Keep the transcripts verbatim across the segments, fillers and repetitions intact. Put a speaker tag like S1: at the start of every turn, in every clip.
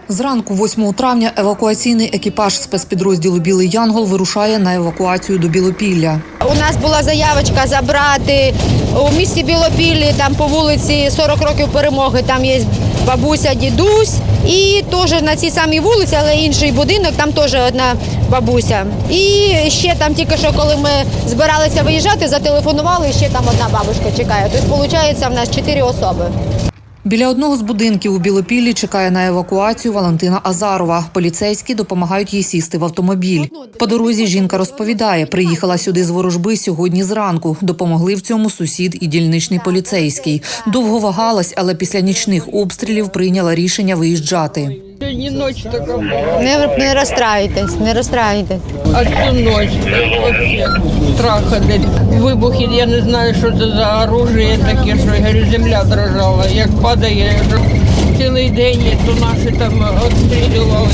S1: Зранку восьмого травня евакуаційний екіпаж спецпідрозділу «Білий Янгол» вирушає на евакуацію до Білопілля.
S2: У нас була заявочка забрати у місті Білопіллі, там по вулиці сорок років перемоги, там є бабуся, дідусь. І теж на цій самій вулиці, але інший будинок, там теж одна бабуся. І ще там тільки що, коли ми збиралися виїжджати, зателефонували, і ще там одна бабушка чекає. Тобто, виходить, в нас чотири особи.
S1: Біля одного з будинків у Білопіллі чекає на евакуацію Валентина Азарова. Поліцейські допомагають їй сісти в автомобіль. По дорозі жінка розповідає, приїхала сюди з Ворожби сьогодні зранку. Допомогли в цьому сусід і дільничний поліцейський. Довго вагалась, але після нічних обстрілів прийняла рішення виїжджати.
S3: Сьогодні ніч така була.
S2: Не, не розстраюйтесь, не розстраюйтесь.
S3: А цю ніч взагалі страх ходить. Вибухи, я не знаю, що це за оружие таке, що я говорю, земля дрожала. Як падає, цілий день, то наші там відстрілювали.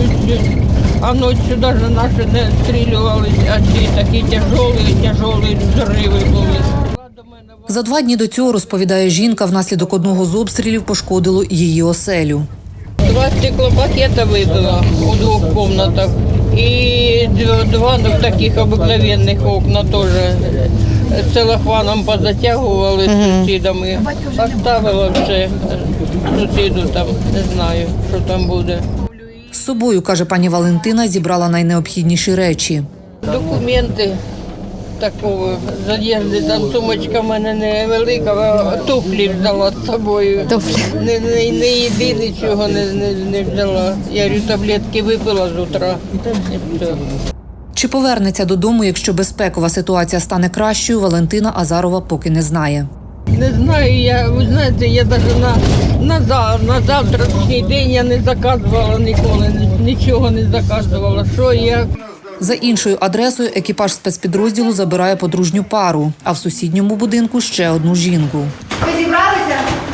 S3: А ночі навіть наші не відстрілювали, а ці такі тяжелі, тяжелі взриви були.
S1: За два дні до цього, розповідає жінка, внаслідок одного з обстрілів пошкодило її оселю.
S3: Два стеклопакета вибило у двох кімнатах і два таких обикновенних окна теж целофаном позатягували з сусідами. Оставила все сусіду, там не знаю, що там буде.
S1: З собою, каже пані Валентина, зібрала найнеобхідніші речі.
S3: Документи такого, з одежди, там сумочка в мене невелика, а туфлі взяла з собою.
S2: Туфлі.
S3: Не, не, не їди, нічого не, не, не взяла. Я говорю, таблетки випила з утра. І все.
S1: Чи повернеться додому, якщо безпекова ситуація стане кращою, Валентина Азарова поки не знає.
S3: Не знаю, я, ви знаєте, я навіть на, на, за- на завтрашній день я не заказувала ніколи, нічого не заказувала. Що, як?
S1: За іншою адресою екіпаж спецпідрозділу забирає подружню пару, а в сусідньому будинку ще одну жінку.
S2: Ви зібралися?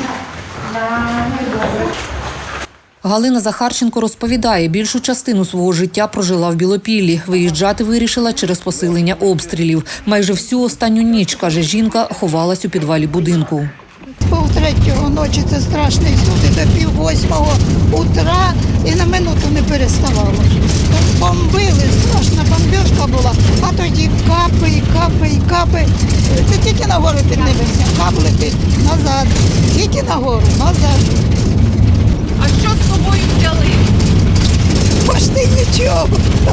S1: Галина Захарченко розповідає, більшу частину свого життя прожила в Білопіллі. Виїжджати вирішила через посилення обстрілів. Майже всю останню ніч, каже жінка, ховалась у підвалі будинку.
S4: Пол третього ночі це страшний суд, до пів восьмого утра і на минуту не переставало. Бомбили, страшна бомбіжка була, а тоді капи, і капи, і капи. Це тільки нагору піднімемося, кап летить назад, тільки нагору, назад.
S2: А що з собою взяли?
S4: Пошти нічого.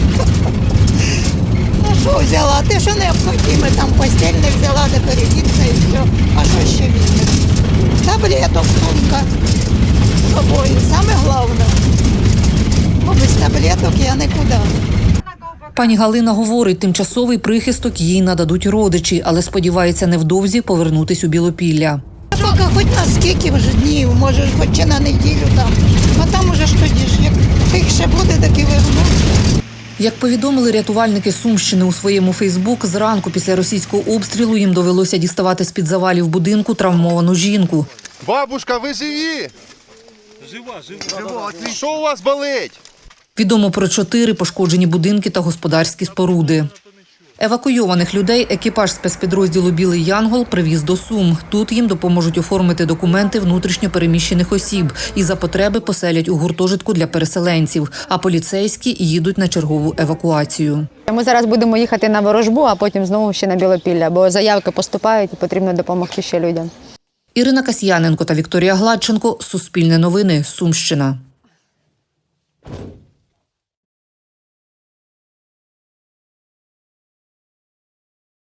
S4: Ну що взяла? Ти що необхідне, там постіль не взяла, де передіться і все. А що ще візьмеш? Таблеток, сумка з собою, саме головне. Бо без таблеток я нікуди.
S1: Пані Галина говорить, тимчасовий прихисток їй нададуть родичі, але сподівається невдовзі повернутись у Білопілля.
S4: Поки хоч на скільки вже днів, може, хоч чи на неділю там. А там уже ж тоді ж, як тих ще буде, так і вернуться.
S1: Як повідомили рятувальники Сумщини у своєму Фейсбук, зранку після російського обстрілу їм довелося діставати з-під завалів будинку травмовану жінку.
S5: Бабушка, ви живі?
S6: Жива, жива.
S5: Що у вас болить?
S1: Відомо про чотири пошкоджені будинки та господарські споруди. Евакуйованих людей екіпаж спецпідрозділу «Білий Янгол» привіз до Сум. Тут їм допоможуть оформити документи внутрішньо переміщених осіб і за потреби поселять у гуртожитку для переселенців, а поліцейські їдуть на чергову евакуацію.
S2: Ми зараз будемо їхати на Ворожбу, а потім знову ще на Білопілля, бо заявки поступають і потрібно допомогти ще людям.
S1: Ірина Касьяненко та Вікторія Гладченко. Суспільне новини. Сумщина.